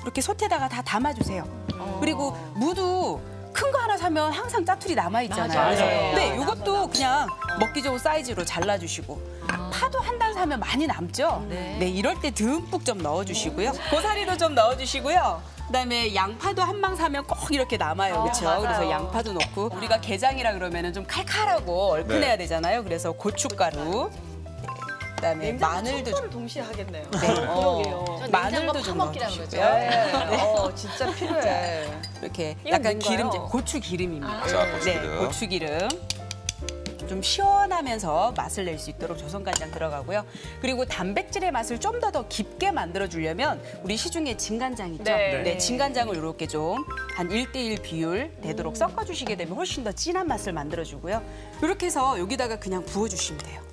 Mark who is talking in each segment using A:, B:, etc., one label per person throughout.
A: 이렇게 솥에다가 다 담아주세요. 그리고 무도 큰 거 하나 사면 항상 짜투리 남아있잖아요.
B: 맞아요.
A: 네, 이것도 그냥 먹기 좋은 사이즈로 잘라주시고 파도 한 단 사면 많이 남죠? 네, 이럴 때 듬뿍 좀 넣어주시고요. 고사리도 좀 넣어주시고요. 그다음에 양파도 한 망 사면 꼭 이렇게 남아요, 그렇죠? 그래서 양파도 넣고 우리가 게장이라 그러면은 좀 칼칼하고 얼큰해야 되잖아요. 그래서 고춧가루, 그다음에 마늘도 좀
C: 동시에 하겠네요.
A: 그러게요. 마늘도 좀 넣어주시고요.
C: 진짜 필요해.
A: 이렇게
C: 이건
A: 약간
C: 뭔가요?
A: 기름제, 고추기름입니다.
D: 자, 고추기름.
A: 네, 고추기름. 좀 시원하면서 맛을 낼 수 있도록 조선간장 들어가고요. 그리고 단백질의 맛을 좀 더 깊게 만들어주려면 우리 시중에 진간장 있죠?
B: 네.
A: 진간장을 이렇게 좀 한 1대1 비율 되도록 섞어주시게 되면 훨씬 더 진한 맛을 만들어주고요. 이렇게 해서 여기다가 그냥 부어주시면 돼요.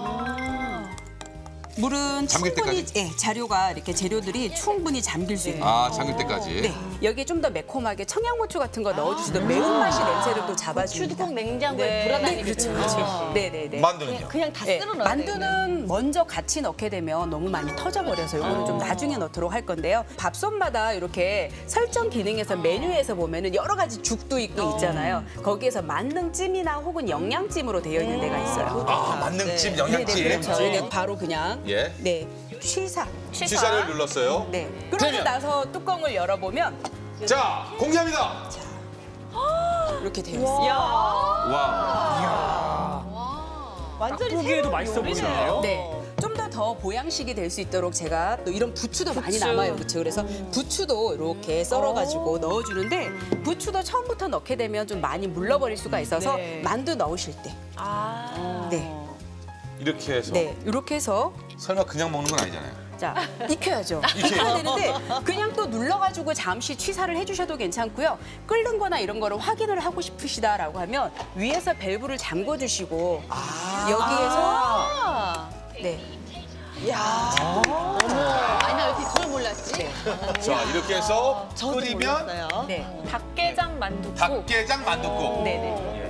A: 물은
D: 잠길
A: 충분히
D: 때까지?
A: 재료가 이렇게 재료들이 충분히 잠길 수 있는.
D: 아, 잠길 때까지.
A: 네, 여기에 좀 더 매콤하게 청양고추 같은 거 넣어주시면 매운맛이 냄새를 또 잡아줍니다.
B: 꼭 냉장고에 불어다니는
A: 그렇죠, 그렇죠. 네네네.
D: 만두는요?
C: 그냥 다
A: 네,
C: 쓸어 넣어야 돼.
A: 만두는 먼저 같이 넣게 되면 너무 많이 터져버려서 이거는 좀 나중에 넣도록 할 건데요. 밥솥마다 이렇게 설정 기능에서 메뉴에서 보면은 여러 가지 죽도 있고 있잖아요. 거기에서 만능찜이나 혹은 영양찜으로 되어 있는 데가 있어요.
D: 아, 만능찜, 영양찜.
A: 네네, 그렇죠. 이게 바로 그냥
D: 예.
A: 네 취사.
D: 취사를 눌렀어요.
A: 네. 그러고 나서 뚜껑을 열어보면
D: 자, 공개합니다.
A: 이렇게 되어 있어요.
D: 와.
C: 완전히
E: 보기에도 맛있어 보이네요.
A: 네. 좀 더 보양식이 될 수 있도록 제가 또 이런 부추도 많이 남아요. 그렇죠? 그래서 부추도 이렇게 썰어가지고 넣어주는데 부추도 처음부터 넣게 되면 좀 많이 물러버릴 수가 있어서 만두 넣으실 때. 네.
D: 이렇게 해서.
A: 네. 이렇게 해서
D: 설마 그냥 먹는 건 아니잖아요.
A: 자, 익혀야죠. 익혀야 되는데 그냥 또 눌러가지고 잠시 취사를 해주셔도 괜찮고요. 끓는 거나 이런 거를 확인을 하고 싶으시다라고 하면 위에서 밸브를 잠궈주시고 여기에서 네.
B: 아니 나 이렇게 그걸 몰랐지.
D: 자, 이렇게 해서 끓이면
C: 몰랐어요.
A: 네.
B: 닭게장 만둣국.
D: 닭게장 만둣국.
A: 네네.